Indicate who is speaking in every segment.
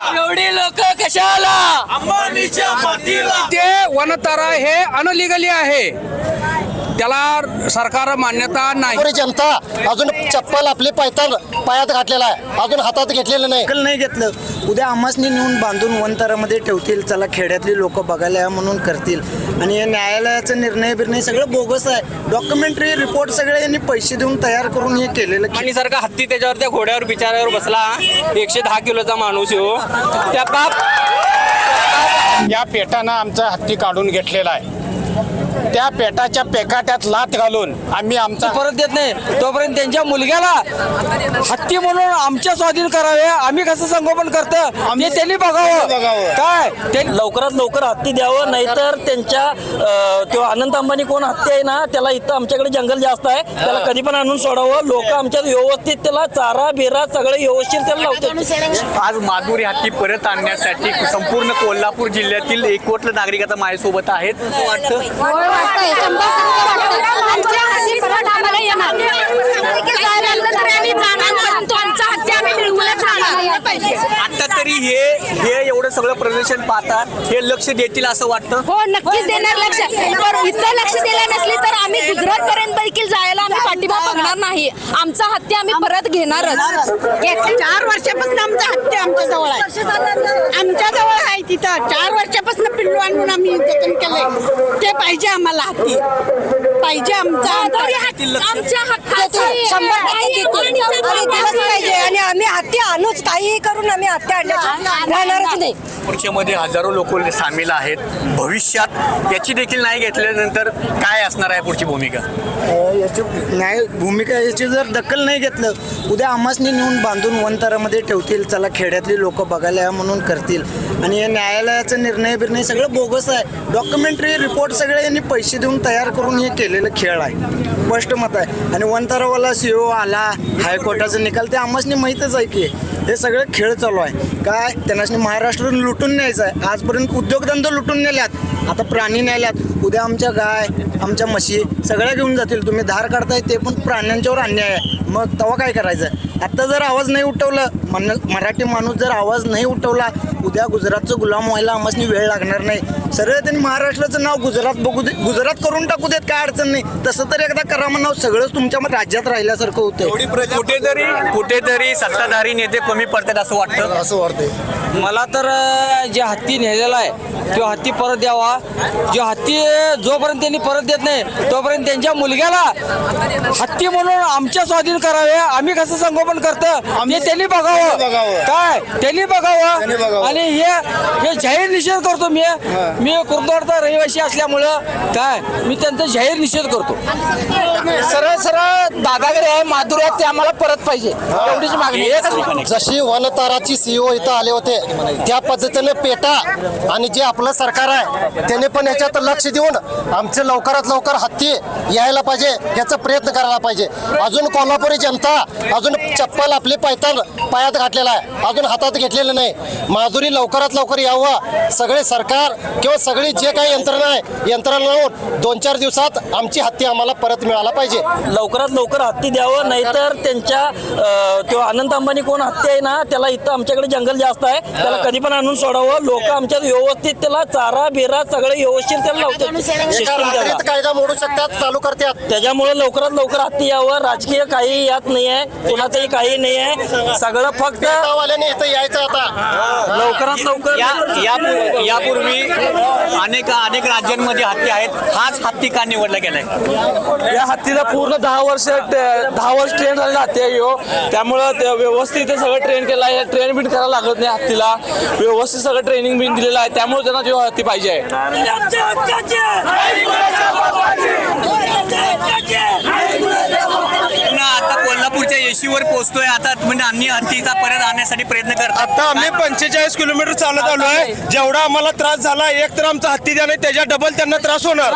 Speaker 1: एवढी लोक कशाला
Speaker 2: अंबानीच्या मातीला
Speaker 3: ते वनतारा हे अनलिगली आहे, त्याला सरकार मान्यता नाही.
Speaker 4: पुरी जनता अजून चप्पल आपली पायात घातलेला आहे, अजून हातात घेतलेलं नाही.
Speaker 5: नाही घेतलं, उद्या आमासनी नेऊन बांधून वनतारामध्ये ठेवतील. चला खेड्यातली लोक बघायला या म्हणून करतील. आणि हे न्यायालयाचा निर्णय सगळं बोगस आहे. डॉक्युमेंटरी रिपोर्ट सगळे यांनी पैसे देऊन तयार करून हे केलेलं.
Speaker 1: आणि सारखा हत्ती त्याच्यावर त्या घोड्यावर बिचाऱ्यावर बसला, 110 किलोचा माणूस हो, त्या
Speaker 6: या पेटानं आमचा हत्ती काढून घेतलेला आहे. त्या पेटाच्या पेकाट्यात लाथ घालून आम्ही आमचा
Speaker 7: परत देत नाही, तोपर्यंत त्यांच्या मुलग्याला हत्ती म्हणून आमच्या स्वाधीन करावे. आम्ही कसं संगोपन करतं ते त्यांनी बघावं. काय ते
Speaker 8: लवकरात लवकर हत्ती द्यावं, नाहीतर त्यांच्या तो अनंत अंबानी कोण हत्ती आहे ना, त्याला इथं आमच्याकडे जंगल जास्त आहे, त्याला कधी पण आणून सोडावं. लोक आमच्यात व्यवस्थित त्याला चारा बिरा सगळं व्यवस्थित त्याला लावतात.
Speaker 2: आज माधुरी हत्ती परत आणण्यासाठी संपूर्ण कोल्हापूर जिल्ह्यातील 1 कोटी नागरिक आता माझ्यासोबत आहेत. वाटतं आता तरी हे एवढं सगळं प्रदर्शन पाहतात, हे लक्ष देतील असं वाटतं.
Speaker 9: हो, नक्कीच देणार लक्ष. इथं लक्ष दिलं नसली तर आम्ही गुजरात पर्यंत देखील जायला आम्ही पाठिंबा बघणार नाही. आमचा हत्ती आम्ही परत घेणारच.
Speaker 10: 4 वर्षापासून आमचा हत्ती आमच्या जवळ आहे, आमच्या जवळ आहे. तिथं 4 वर्षापासून पिल्लू आणून आम्ही जतन केलंय. ते पाहिजे आम्हाला, हत्ती पाहिजे.
Speaker 9: आमच्या हक्काचं
Speaker 10: पाहिजे आणि आम्ही हत्ती आणूच, काही करून आम्ही हत्ती आणणारच नाही.
Speaker 2: पुढच्यामध्ये हजारो लोक सामील आहेत. भविष्यात याची देखील नाही घेतल्यानंतर काय असणार आहे पुढची भूमिका?
Speaker 5: याची जर दखल नाही घेतलं, उद्या आमासनी नेऊन बांधून वनतारामध्ये ठेवतील. चला खेड्यातली लोक बघायला या म्हणून करतील. आणि हे न्यायालयाचा निर्णय सगळं बोगस आहे. डॉक्युमेंटरी रिपोर्ट सगळे यांनी पैसे देऊन तयार करून हे केलेलं खेळ आहे. स्पष्ट मत आहे. आणि वनतारावाला CEO आला, हायकोर्टाचा निकाल ते आमासनी माहीतच आहे की हे सगळे खेळ चालू आहे. काय त्यांना महाराष्ट्र लुटून न्यायचं आहे. आजपर्यंत उद्योगधंदे लुटून नेल्यात, आता प्राणी नेल्यात. उद्या आमच्या गाय, आमच्या म्हशी सगळ्या घेऊन जातील. तुम्ही धार काढताय ते पण प्राण्यांच्यावर अन्याय आहे. मग तेव्हा काय करायचं? आत्ता जर आवाज नाही उठवलं, मराठी माणूस जर आवाज नाही उठवला, उद्या गुजरातचं गुलाम व्हायला आम्हाला वेळ लागणार नाही. सरळ त्यांनी महाराष्ट्राचं नाव गुजरात करून टाकू देत, काय अडचण नाही. तसं तर एकदा करा म्हणाव, सगळंच तुमच्या राज्यात राहिल्यासारखं होतं.
Speaker 2: कुठेतरी सत्ताधारी नेते कमी पडतात असं वाटतं.
Speaker 7: मला तर जे हत्ती नेलेला आहे तो हत्ती परत द्यावा. जो हत्ती जोपर्यंत त्यांनी परत देत नाही, तोपर्यंत त्यांच्या मुलग्याला हत्ती म्हणून आमच्या स्वाधीन करावे. आम्ही कसं संगोपन करतं ते त्यांनी बघावं. काय त्यांनी बघावं. आणि हे जाहीर निषेध करतो. मी कुर्दवाडचा रहिवासी असल्यामुळं काय मी त्यांचा जाहीर निषेध करतो. सरळ दादागिरी आहे, माधुरी आहे, ते आम्हाला परत पाहिजे, एवढीच मागणी आहे.
Speaker 4: जशी वनताराची CEO इथं आले होते, त्या पद्धतीने पेटा आणि जे आपलं सरकार आहे त्याने पण याच्यात लक्ष देऊन आमचे लवकरात लवकर हत्ती यायला पाहिजे, याचा प्रयत्न करायला पाहिजे. अजून कोल्हापुरी जनता अजून चप्पल आपली पायात घातलेला आहे, अजून हातात घेतलेलं नाही. माधुरी लवकरात लवकर यावं. सगळे सरकार किंवा सगळी जे काही यंत्रणा आहे, यंत्रणा लावून 2-4 दिवसात आमची हत्ती आम्हाला परत मिळायला पाहिजे.
Speaker 8: लवकरात लवकर हत्ती द्यावं, नाहीतर त्यांच्या तो अनंत अंबानी कोण हत्ती आहे ना, त्याला इथं आमच्याकडे जंगल जास्त आहे, त्याला कधी पण आणून सोडावं. लोक आमच्यात व्यवस्थित त्याला चारा बिरा सगळं व्यवस्थित त्याला लावतात.
Speaker 4: कायदा मोडू शकतात, चालू करतात.
Speaker 8: त्याच्यामुळे लवकरात लवकर हत्ती यावं. राजकीय काही यात नाही आहे, कोणाचंही काही नाही आहे. सगळं फक्त
Speaker 4: इथं यायचं. आता
Speaker 8: लवकरात लवकर
Speaker 2: यापूर्वी अनेक राज्यांमध्ये हत्ती आहेत. हाच हत्ती का निवडला गेलाय?
Speaker 7: या हत्तीला पूर्ण 10 वर्ष ट्रेन झालेला हत्ती आहे ह्यो. त्यामुळं व्यवस्थित सगळं ट्रेन केलं आहे. ट्रेन बिन करायला लागत नाही हत्तीला, व्यवस्थित सगळं ट्रेनिंग बिन दिलेलं आहे. त्यामुळे त्यांना जो हत्ती पाहिजे आहे.
Speaker 2: आता कोल्हापूरच्या येशीवर पोहोचतोय. आता म्हणजे आम्ही हत्तीचा परत आणण्यासाठी प्रयत्न करतो.
Speaker 6: आता आम्ही 45 किलोमीटर चालत आलो आहे. जेवढा आम्हाला त्रास झाला, एक तर आमचा हत्ती द्या, नाही त्याच्या डबल त्यांना त्रास होणार.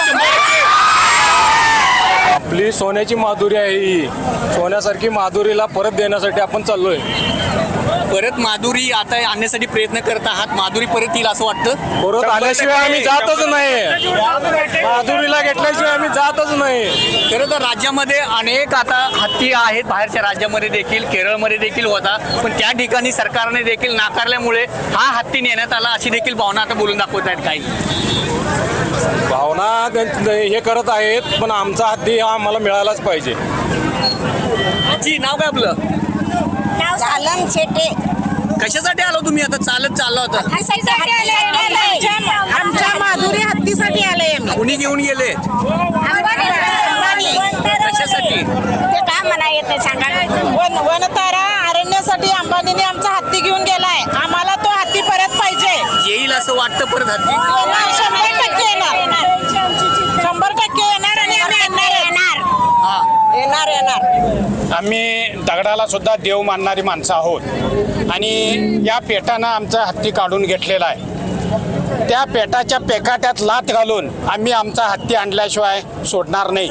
Speaker 3: आपली सोन्याची माधुरी आहे ही. सोन्यासारखी माधुरीला परत देण्यासाठी आपण चाललोय.
Speaker 2: परत माधुरी आता आणण्यासाठी प्रयत्न करत आहात, माधुरी परत येईल असं वाटतं?
Speaker 6: परत आल्याशिवाय आम्ही जातच नाही, माधुरीला घेतल्याशिवाय आम्ही जातच नाही.
Speaker 2: खरं तर राज्यामध्ये अनेक आता हत्ती आहेत, बाहेरच्या राज्यामध्ये देखील, केरळमध्ये देखील होता, पण त्या ठिकाणी सरकारने देखील नाकारल्यामुळे हा हत्ती नेण्यात आला अशी देखील भावना आता बोलून दाखवत आहेत काही.
Speaker 6: भावना हे करत आहेत, पण आमचा हत्ती हा आम्हाला मिळालाच पाहिजे.
Speaker 2: जी नाव काय आपलं?
Speaker 10: सालम शेटे.
Speaker 2: कशासाठी आलो तुम्ही आता? चालत चाललो होता?
Speaker 10: आमच्या माधुरी हत्तीसाठी आले आम्ही.
Speaker 2: कुणी घेऊन गेले? कशासाठी?
Speaker 10: ते काय म्हणा येत नाही सांगा. वनतारा अरण्यासाठी अंबानीने आमचा हत्ती घेऊन गेलाय. आम्हाला तो हत्ती परत पाहिजे.
Speaker 2: येईल असं वाटतं परत हत्ती?
Speaker 10: 100% येणार. 100% येणार आणि आम्ही येणार.
Speaker 6: आम्ही दगडाला सुद्धा देव मानणारी माणसं आहोत आणि या पेटानं आमचा हत्ती काढून घेतलेला आहे. त्या पेटाच्या पेकाट्यात लाथ घालून आम्ही आमचा हत्ती आणल्याशिवाय सोडणार नाही.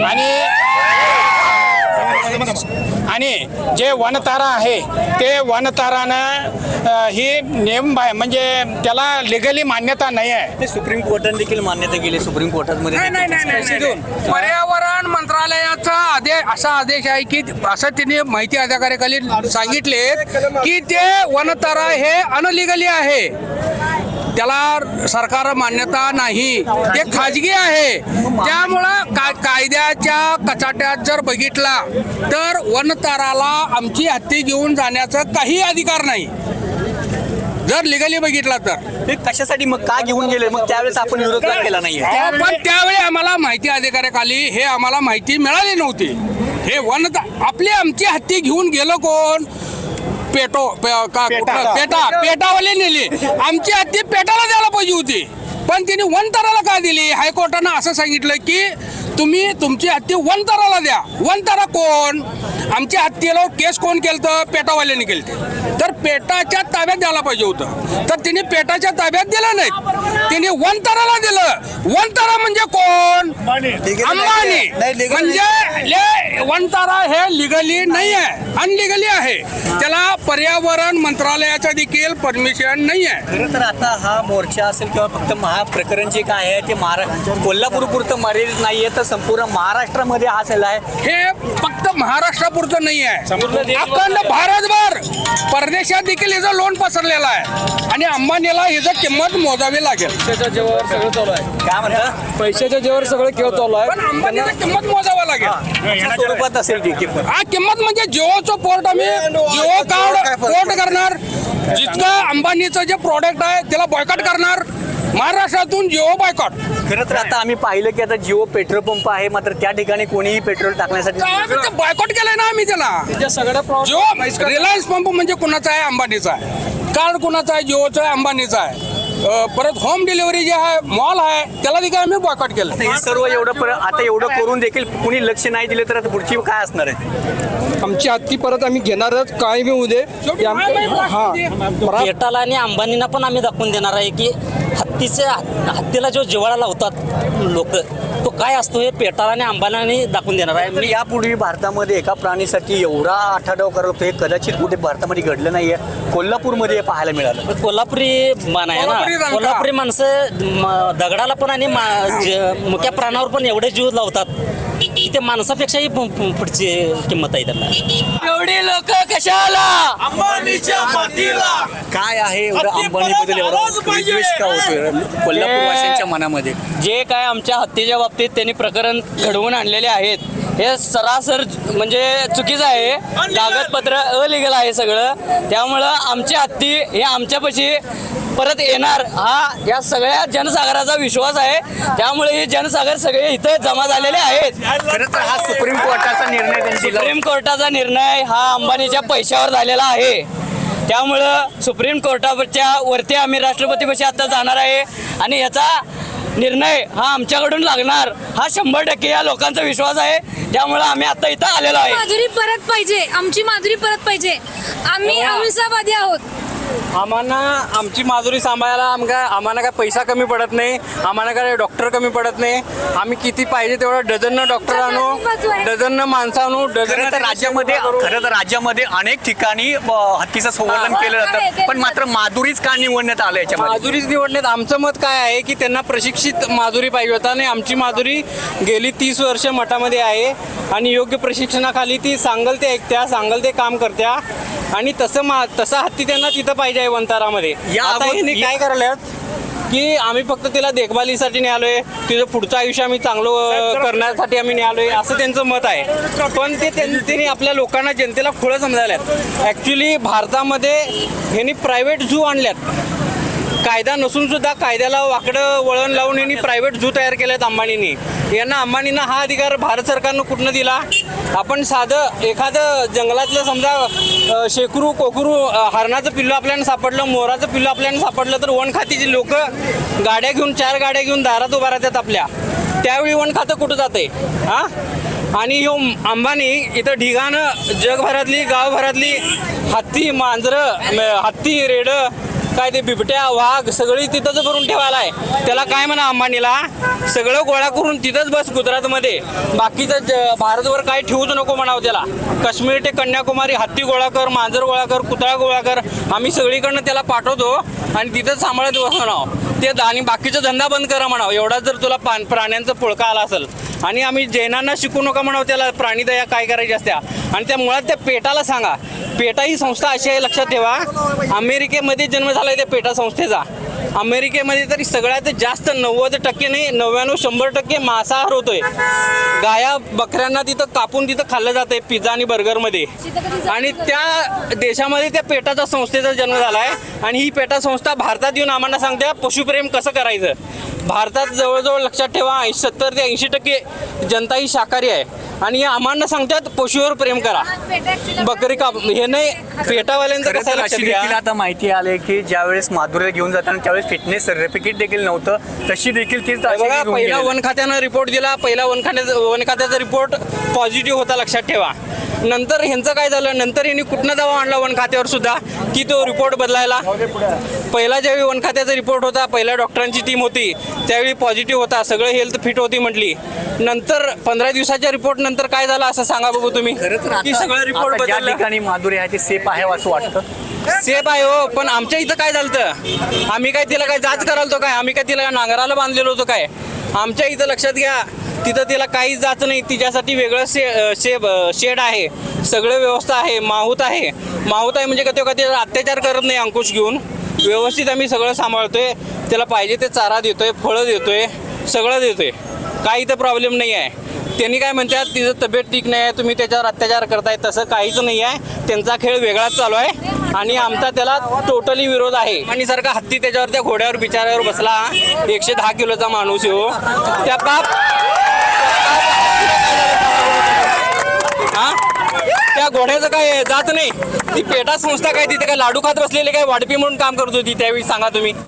Speaker 6: आणि जे वनतारा आहे ते वनतारानं ही नियम म्हणजे त्याला लिगली मान्यता नाही आहे.
Speaker 2: ते सुप्रीम कोर्टाने देखील मान्यता केली. सुप्रीम कोर्टामध्ये
Speaker 3: पर्यावरण मंत्रालयाचा असा आदेश आहे की असं तिने माहिती अधिकाऱ्याखाली सांगितले की ते वनतारा हे अनलिगली आहे, त्याला सरकार मान्यता नाही, ते खाजगी आहे. त्यामुळं कायद्याच्या कचाट्यात जर बघितला तर वनताराला आमची हत्ती घेऊन जाण्याचा काही अधिकार नाही जर लिगली बघितला तर.
Speaker 2: ते कशासाठी मग का घेऊन गेले? मग त्यावेळेस आपण विरोध का केला नाहीये?
Speaker 3: पण त्यावेळी आम्हाला माहिती अधिकाऱ्याखाली हे आम्हाला माहिती मिळाली नव्हती. हे आमची हत्ती घेऊन गेलं कोण? पेटावाले नेली. आमची हत्ती पेटाला द्यायला पाहिजे होती, पण तिने वनताराला का दिली? हायकोर्टानं असं सांगितलं की तुम्ही तुमची हत्ती वनताराला द्या. वनतारा कोण? आमच्या हत्तीला केस कोण केलं? पेटावाल्याने केलं. तर पेटाच्या ताब्यात द्यायला पाहिजे होतं, तर तिने पेटाच्या ताब्यात दिलं नाही, तिने वनताराला दिलं. वनतारा म्हणजे कोण? अंबानी. म्हणजे वनतारा हे लिगली नाही आहे, अनलिगली आहे. त्याला पर्यावरण मंत्रालयाचं देखील परमिशन नाही आहे.
Speaker 2: खरं तर आता हा मोर्चा असेल किंवा फक्त प्रकरण जे काय आहे ते कोल्हापूर पुरतं मर्यादित नाहीये, तर संपूर्ण महाराष्ट्रामध्ये हा चालला आहे.
Speaker 3: हे फक्त महाराष्ट्रापुरतं नाही आहे, अखंड भारतभर परदेशात देखील याचं लोन पसरलेलं आहे आणि अंबानीला याचं किंमत मोजावी लागेल.
Speaker 7: पैशाच्या जेव्हा सगळं चालू आहे.
Speaker 2: काय म्हणतं?
Speaker 7: पैशाच्या जेव्हा सगळं खेळ चालू आहे,
Speaker 3: पण अंबानीला किंमत मोजावं लागेल.
Speaker 2: स्वरूपात असेल ती किंमत.
Speaker 3: हा किंमत म्हणजे जिओचं पोर्ट आम्ही जिओ कार्ड पोर्ट करणार. जितकं अंबानीचं जे प्रॉडक्ट आहे त्याला बॉयकॉट करणार. महाराष्ट्रातून जिओ बॉयकॉट.
Speaker 2: खरं तर आता आम्ही पाहिलं की आता जिओ पेट्रोल पंप आहे, मात्र त्या ठिकाणी कोणीही पेट्रोल टाकण्यासाठी
Speaker 3: बॉयकॉट केलंय ना आम्ही त्याला.
Speaker 7: सगळं
Speaker 3: जिओ रिलायन्स पंप म्हणजे कुणाचा आहे? अंबानीचा आहे. कार्ड कुणाचा आहे? जिओचा आहे, अंबानीचा आहे. परत होम डिलिव्हरी जे आहे, मॉल आहे, त्याला देखील आम्ही बॉयकॉट केलं.
Speaker 2: हे सर्व आता एवढं करून देखील कुणी लक्ष नाही दिले तर आता पुढची काय असणार आहे?
Speaker 7: आमची हत्ती परत आम्ही घेणारच, काय बी होऊ दे.
Speaker 8: पेटाला आणि अंबानींना पण आम्ही दाखवून देणार आहे की हत्तीला जो जिव्हाळा लावतात लोक, तो काय असतो हे पेटाला आणि अंबानींनी दाखवून देणार आहे.
Speaker 2: मी यापूर्वी भारतामध्ये एका प्राणीसाठी एवढा आठाडाव करत होतो, हे कदाचित कुठे भारतामध्ये घडलं नाहीये. कोल्हापूरमध्ये पाहायला मिळालं.
Speaker 8: कोल्हापुरी मान आहे ना, कोल्हापुरी माणसं दगडाला पण आणि मुक्या प्राणावर पण एवढे जीव लावतात की ते माणसापेक्षाही पुढची किंमत आहे त्यांना.
Speaker 7: एवढी लोक कशाला?
Speaker 2: अंबानीच्या मातीला. काय आहे एवढं अंबानीबद्दल एवढा विद्वेष का होतोय कोल्हापूरवासियांच्या मनामध्ये?
Speaker 7: जे काय आमच्या हत्तीच्या बाबतीत त्यांनी प्रकरण घडवून आणलेले आहेत हे सरासर म्हणजे चुकीचं आहे. कागदपत्र अलिगल आहे सगळं. त्यामुळं आमची हत्ती हे आमच्यापाशी परत येणार हा या सगळ्या जनसागराचा विश्वास आहे. त्यामुळे हे जनसागर सगळे इथं जमा झालेले आहेत.
Speaker 2: खरं तर हा सुप्रीम कोर्टाचा निर्णय,
Speaker 7: सुप्रीम कोर्टाचा निर्णय हा अंबानीच्या पैशावर झालेला आहे. त्यामुळं सुप्रीम कोर्टाच्या वरती आम्ही राष्ट्रपतीपाशी आता जाणार आहे आणि याचा निर्णय हा आमच्याकडून लागणार हा 100% या लोकांचा विश्वास आहे. त्यामुळे आम्ही आता इथं आलेलो आहे.
Speaker 9: माधुरी परत पाहिजे, आमची माधुरी परत पाहिजे. आम्ही अहिंसावादी आहोत.
Speaker 1: आम्हाला आमची माजुरी सांभाळायला आम्हाला काय पैसा कमी पडत नाही, आम्हाला काय डॉक्टर कमी पडत नाही. आम्ही किती पाहिजे तेवढं डझननं डॉक्टर आणू, डझननं माणसं आणू,
Speaker 2: खरं तर राज्यामध्ये अनेक ठिकाणी हत्तीचं संवर्धन केलं जातं, पण मात्र माधुरीच का निवडण्यात आलं याच्यामध्ये?
Speaker 1: माधुरीच निवडण्यात आमचं मत काय आहे की त्यांना प्रशिक्षित माधुरी पाहिजे होता आणि आमची माधुरी गेली 30 वर्ष मठामध्ये आहे आणि योग्य प्रशिक्षणाखाली ती सांगल ते ऐकत्या, सांगल ते काम करत्या आणि तसा हत्ती त्यांना तिथं पाहिजे आहे वंतारामध्ये. आता ह्यांनी काय करायला की आम्ही फक्त तिला देखभालीसाठी निघालोय, तिचं पुढचं आयुष्य आम्ही चांगलं करण्यासाठी आम्ही निघालोय असं त्यांचं मत आहे. पण त्यांनी आपल्या लोकांना जनतेला खुळं समजायल्यात. ॲक्च्युली भारतामध्ये ह्यांनी प्रायव्हेट झू आणल्यात, कायदा नसून सुद्धा कायद्याला वाकडं वळण लावून यांनी प्रायव्हेट झू तयार केलेत अंबानींनी. अंबानींना हा अधिकार भारत सरकारनं कुठनं दिला? आपण साधं एखादं जंगलातलं समजा शेकरू कोकरू हरणाचं पिल्लू आपल्याला सापडलं, मोराचं पिल्लू आपल्याला सापडलं तर वन खात्याची लोक गाड्या घेऊन 4 गाड्या घेऊन दारात उभा राहतात आपल्या. त्यावेळी वन खातं कुठं जाते? हां. आणि ह्यो अंबानी इथं ढिगानं जगभरातली गावभरातली हत्ती मांजरं हत्ती रेडं काय ते बिबट्या वाघ सगळी तिथंच भरून ठेवायला आहे. त्याला काय म्हणा अंबानीला सगळं गोळा करून तिथंच बस गुजरातमध्ये, बाकीचं भारतभर काय ठेवूच नको म्हणावं त्याला. काश्मीर ते कन्याकुमारी हत्ती गोळा कर, मांजर गोळा कर, कुत्रा गोळा कर, आम्ही सगळीकडनं त्याला पाठवतो आणि तिथंच सांभाळत बस म्हणावं ते. आणि बाकीचा धंदा बंद करा म्हणावं. एवढा जर तुला प्राण्यांचं पुळका आला असेल. आणि आम्ही जैनांना शिकू नका म्हणावं त्याला प्राणीदया काय करायची असत्या. आणि त्या मुळात त्या पेटाला सांगा, पेटा ही संस्था अशी आहे लक्षात ठेवा, अमेरिकेमध्ये जन्म झाला आहे त्या पेटा संस्थेचा. अमेरिकेमध्ये तरी सगळ्यात जास्त 90% नाही 99-100% मांसाहार होतोय. गाया बकऱ्यांना तिथं कापून तिथं खाल्लं जातंय पिझ्झा आणि बर्गरमध्ये. आणि त्या देशामध्ये त्या पेटाचा संस्थेचा जन्म झाला आहे. आणि ही पेटा संस्था भारतात येऊन आम्हाला सांगते पशुप्रेम कसं करायचं. भारतात जवळजवळ लक्षात ठेवा 70 ते 80% जनता ही शाकाहारी आहे आणि आम्हाला सांगतात पशुवर प्रेम करा, बकरी काप. हे नाही पेटावाल्यांचं कसं लक्षात घ्या.
Speaker 2: आता माहिती आले की ज्यावेळेस माधुरीला घेऊन जाताना त्यावेळेस फिटनेस सर्टिफिकेट देखील नव्हतं, तशी देखील ती
Speaker 1: बघा. पहिला वन खात्यानं रिपोर्ट दिला, पहिला वन खात्याचा रिपोर्ट पॉझिटिव्ह होता लक्षात ठेवा. नंतर ह्यांचं काय झालं, नंतर यांनी कुठनं दावा आणला वन खात्यावर सुद्धा की तो रिपोर्ट बदलायला. पहिला ज्यावेळी वन खात्याचा रिपोर्ट होता, पहिल्या डॉक्टरांची टीम होती त्यावेळी पॉझिटिव्ह होता, सगळं हेल्थ फिट होती म्हटली. नंतर 15 दिवसाच्या रिपोर्ट नंतर काय झालं असं सांगा बघू तुम्ही की सगळं रिपोर्ट
Speaker 2: ज्या
Speaker 1: बदलला.
Speaker 2: ठिकाणी माधुरी आहे ते सेफ आहे असं वाटतं.
Speaker 1: सेफ आहे हो, पण आमच्या इथं काय झालं, आम्ही काय तिला काय जाच करायला काय, आम्ही काय तिला नांगराला बांधलेलो होतो काय. आमच्या इथं लक्षात घ्या तिथं तिला काहीच जात नाही, तिच्यासाठी वेगळं शेड आहे, सगळं व्यवस्था आहे, माहूत आहे म्हणजे का तिला अत्याचार करत नाही. अंकुश घेऊन व्यवस्थित आम्ही सगळं सांभाळतोय, त्याला पाहिजे ते चारा देतोय, फळं देतोय, सगळं देतोय, काही इथं प्रॉब्लेम नाही आहे. त्यांनी काय म्हणतात तिचं तब्येत ठीक नाही आहे, तुम्ही त्याच्यावर अत्याचार करताय, तसं काहीच नाही आहे. त्यांचा खेळ वेगळाच चालू आहे आणि आमचा त्याला टोटली विरोध आहे. आणि सारखा हत्ती त्याच्यावर त्या घोड्यावर बिचाऱ्यावर बसला, 110 किलोचा माणूस हो, त्या त्या घोड्याचं काय जात नाही. ती पेटा संस्था काय तिथे काय लाडू खात बसलेले काय वाढपी म्हणून काम करत होती त्यावेळी सांगा तुम्ही.